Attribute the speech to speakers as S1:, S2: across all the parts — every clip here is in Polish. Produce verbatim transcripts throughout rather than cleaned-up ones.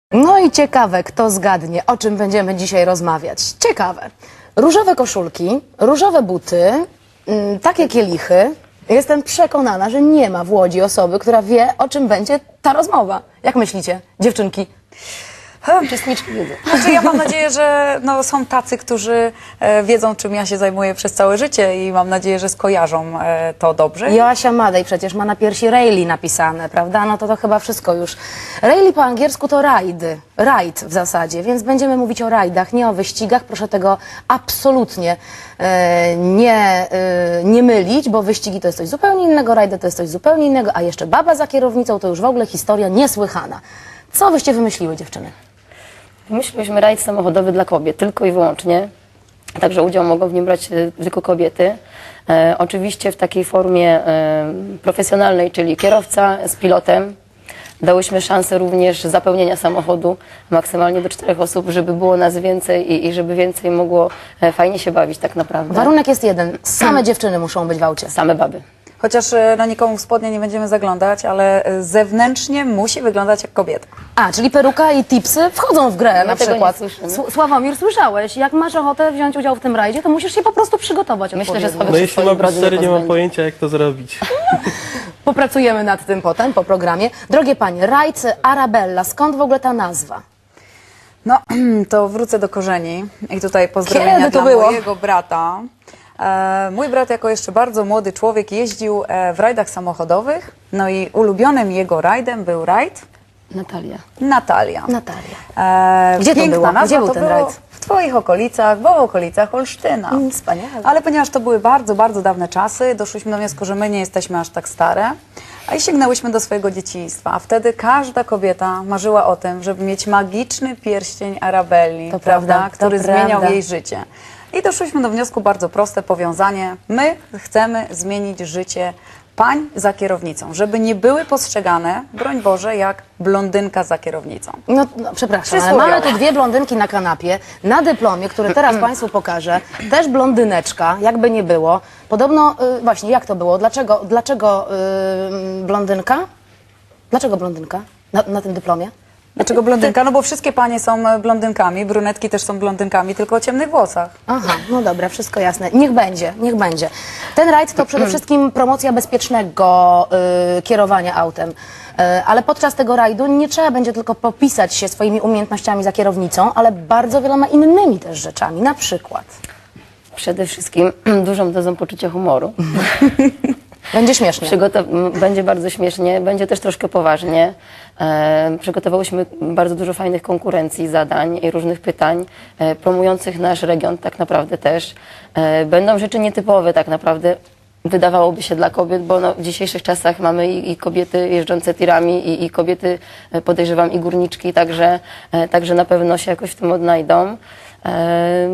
S1: No i ciekawe, kto zgadnie, o czym będziemy dzisiaj rozmawiać. Ciekawe. Różowe koszulki, różowe buty, mm, takie kielichy. Jestem przekonana, że nie ma w Łodzi osoby, która wie, o czym będzie ta rozmowa. Jak myślicie, dziewczynki?
S2: Uczestniczki wiedzą.
S3: Znaczy, ja mam nadzieję, że no, są tacy, którzy e, wiedzą, czym ja się zajmuję przez całe życie i mam nadzieję, że skojarzą e, to dobrze.
S1: Joasia Madej przecież ma na piersi Rayleigh napisane, prawda? No to to chyba wszystko już. Rayleigh po angielsku to ride, ride w zasadzie, więc będziemy mówić o rajdach, nie o wyścigach. Proszę tego absolutnie e, nie, e, nie mylić, bo wyścigi to jest coś zupełnie innego, rajdy to jest coś zupełnie innego, a jeszcze baba za kierownicą to już w ogóle historia niesłychana. Co wyście wymyśliły, dziewczyny?
S2: Myśleliśmy rajd samochodowy dla kobiet, tylko i wyłącznie. Także udział mogą w nim brać e, tylko kobiety. E, oczywiście w takiej formie e, profesjonalnej, czyli kierowca z pilotem. Dałyśmy szansę również zapełnienia samochodu maksymalnie do czterech osób, żeby było nas więcej i, i żeby więcej mogło e, fajnie się bawić tak naprawdę.
S1: Warunek jest jeden, same dziewczyny muszą być w aucie.
S2: Same baby.
S3: Chociaż e, na nikomu w spodnie nie będziemy zaglądać, ale e, zewnętrznie musi wyglądać jak kobieta.
S1: A, czyli peruka i tipsy wchodzą w grę na
S2: tego
S1: przykład.
S2: nie słyszymy.
S1: Sł- Sławomir, słyszałeś, jak masz ochotę wziąć udział w tym rajdzie, to musisz się po prostu przygotować
S2: Myślę, że
S1: odpowiednio.
S2: sobie-
S4: No jeśli
S2: swojej
S4: mam być
S2: brody nie
S4: szczery, nie mam
S2: pozbędzie.
S4: pojęcia, jak to zrobić.
S1: Popracujemy nad tym potem, po programie. Drogie panie, rajd Arabella, skąd w ogóle ta nazwa?
S3: No, to wrócę do korzeni i tutaj pozdrowienia
S1: Kiedy to
S3: dla
S1: było?
S3: mojego brata. E, mój brat jako jeszcze bardzo młody człowiek jeździł e, w rajdach samochodowych, no i ulubionym jego rajdem był rajd
S2: Natalia.
S3: Natalia.
S1: Natalia.
S3: E,
S1: Gdzie to
S3: piękna
S1: było?
S3: nazwa,
S1: Gdzie był
S3: to
S1: ten
S3: było
S1: rajd?
S3: W twoich okolicach, bo w okolicach Olsztyna.
S1: Mm, wspaniale.
S3: Ale ponieważ to były bardzo, bardzo dawne czasy, doszliśmy do wniosku, że my nie jesteśmy aż tak stare, a i sięgnęłyśmy do swojego dzieciństwa. A wtedy każda kobieta marzyła o tym, żeby mieć magiczny pierścień Arabelli,
S1: To
S3: prawda,
S1: prawda, to
S3: który zmieniał
S1: prawda.
S3: jej życie. I doszliśmy do wniosku bardzo proste, powiązanie. My chcemy zmienić życie pań za kierownicą, żeby nie były postrzegane, broń Boże, jak blondynka za kierownicą.
S1: No, no przepraszam, ale
S3: Przysłowiowo.
S1: mamy tu dwie blondynki na kanapie. Na dyplomie, który teraz Państwu pokażę, też blondyneczka, jakby nie było. Podobno, y, właśnie, jak to było? Dlaczego, dlaczego y, blondynka? Dlaczego blondynka na, na tym dyplomie?
S3: Dlaczego blondynka? No bo wszystkie panie są e, blondynkami, brunetki też są blondynkami, tylko o ciemnych włosach.
S1: Aha, no dobra, wszystko jasne. Niech będzie, niech będzie. Ten rajd to przede wszystkim promocja bezpiecznego y, kierowania autem. Y, ale podczas tego rajdu nie trzeba będzie tylko popisać się swoimi umiejętnościami za kierownicą, ale bardzo wieloma innymi też rzeczami. Na przykład.
S2: Przede wszystkim dużą dozą poczucia humoru.
S1: Będzie śmiesznie.
S2: Przygotow- m, będzie bardzo śmiesznie, będzie też troszkę poważnie. E, przygotowałyśmy bardzo dużo fajnych konkurencji, zadań i różnych pytań e, promujących nasz region tak naprawdę też. E, będą rzeczy nietypowe tak naprawdę, wydawałoby się dla kobiet, bo no, w dzisiejszych czasach mamy i, i kobiety jeżdżące tirami i, i kobiety, e, podejrzewam, i górniczki, także, e, także na pewno się jakoś w tym odnajdą. E,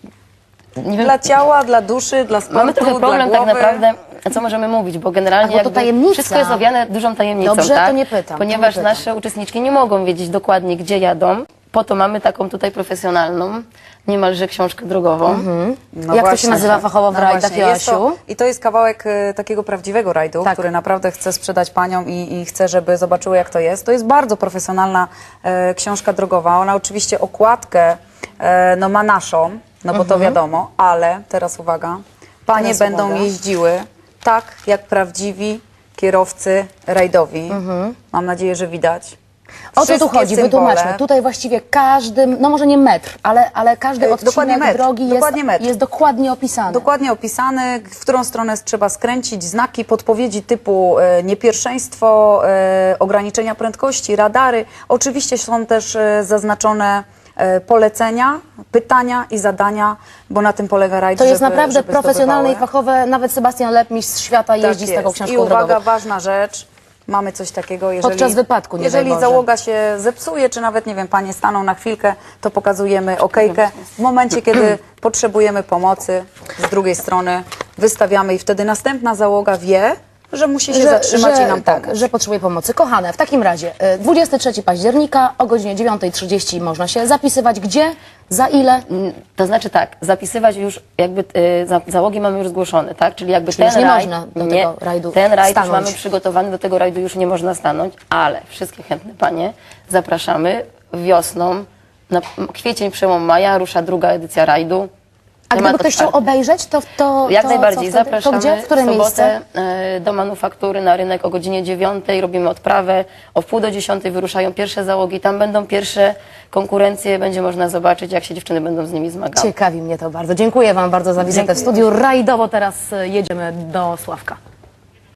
S2: nie wiem,
S3: Dla ciała, dla duszy, dla sportu,
S2: mamy trochę problem
S3: dla
S2: tak
S3: głowy.
S2: naprawdę, co możemy mówić, bo generalnie
S1: A, bo to
S2: jakby
S1: tajemnica.
S2: wszystko jest owiane dużą tajemnicą,
S1: Dobrze, to
S2: tak?
S1: nie pytam, to
S2: Ponieważ
S1: nie pytam.
S2: nasze uczestniczki nie mogą wiedzieć dokładnie, gdzie jadą. Po to mamy taką tutaj profesjonalną, niemalże książkę drogową.
S3: No
S1: Jak to się
S3: właśnie.
S1: nazywa fachowo w
S3: No
S1: rajdach,
S3: właśnie, jest to,
S1: Joasiu?
S3: I to jest kawałek e, takiego prawdziwego rajdu,
S1: Tak.
S3: który naprawdę chcę sprzedać paniom i, i chcę, żeby zobaczyły, jak to jest. To jest bardzo profesjonalna e, książka drogowa. Ona oczywiście okładkę e, no, ma naszą, no bo to wiadomo, ale teraz uwaga, panie
S1: Teraz
S3: będą
S1: uwaga.
S3: jeździły tak, jak prawdziwi kierowcy rajdowi. Mam nadzieję, że widać.
S1: O co tu
S3: Wszystkie
S1: chodzi?
S3: symbole.
S1: Wytłumaczmy. Tutaj właściwie każdy, no może nie metr, ale, ale każdy
S3: E,
S1: odcinek
S3: dokładnie metr,
S1: drogi jest
S3: dokładnie metr.
S1: jest dokładnie opisany.
S3: Dokładnie opisany, w którą stronę trzeba skręcić, znaki, podpowiedzi typu e, niepierwszeństwo, e, ograniczenia prędkości, radary. Oczywiście są też e, zaznaczone e, polecenia, pytania i zadania, bo na tym polega rajd,
S1: To jest
S3: żeby,
S1: naprawdę
S3: żeby
S1: profesjonalne i
S3: zdobywały.
S1: fachowe. Nawet Sebastian Lep, mistrz świata,
S3: Tak
S1: jeździ z taką
S3: jest.
S1: książką
S3: I uwaga,
S1: drogową.
S3: ważna rzecz. Mamy coś takiego, jeżeli,
S1: Podczas wypadku, nie daj
S3: jeżeli
S1: Boże.
S3: załoga się zepsuje, czy nawet, nie wiem, panie staną na chwilkę, to pokazujemy okejkę. W momencie, kiedy potrzebujemy pomocy, z drugiej strony wystawiamy i wtedy następna załoga wie, że musi się zatrzymać i nam
S1: tak,
S3: pomóc.
S1: że potrzebuje pomocy. Kochane, w takim razie y, dwudziestego trzeciego października o godzinie dziewiątej trzydzieści można się zapisywać. Gdzie? Za ile?
S2: Mm, To znaczy tak, zapisywać już jakby y, za, załogi mamy już zgłoszone, tak? Czyli jakby
S1: Czyli
S2: ten
S1: już nie
S2: rajd,
S1: można do
S2: nie,
S1: tego rajdu
S2: ten rajd już
S1: stanąć.
S2: mamy przygotowany, do tego rajdu już nie można stanąć, ale wszystkie chętne panie zapraszamy. wiosną, na kwiecień, przełom maja, rusza druga edycja rajdu.
S1: A
S2: Temat
S1: gdyby ktoś chciał
S2: otwarty.
S1: obejrzeć, to, to
S2: Jak
S1: to
S2: najbardziej,
S1: co wtedy?
S2: zapraszamy
S1: To gdzie? W które
S2: w sobotę
S1: miejsce?
S2: e, do manufaktury na rynek o godzinie dziewiątej, robimy odprawę, o wpół do dziesiątej wyruszają pierwsze załogi, tam będą pierwsze konkurencje, będzie można zobaczyć, jak się dziewczyny będą z nimi zmagały.
S1: Ciekawi mnie to bardzo. Dziękuję Wam bardzo za wizytę w studiu. Rajdowo teraz e, jedziemy do Sławka.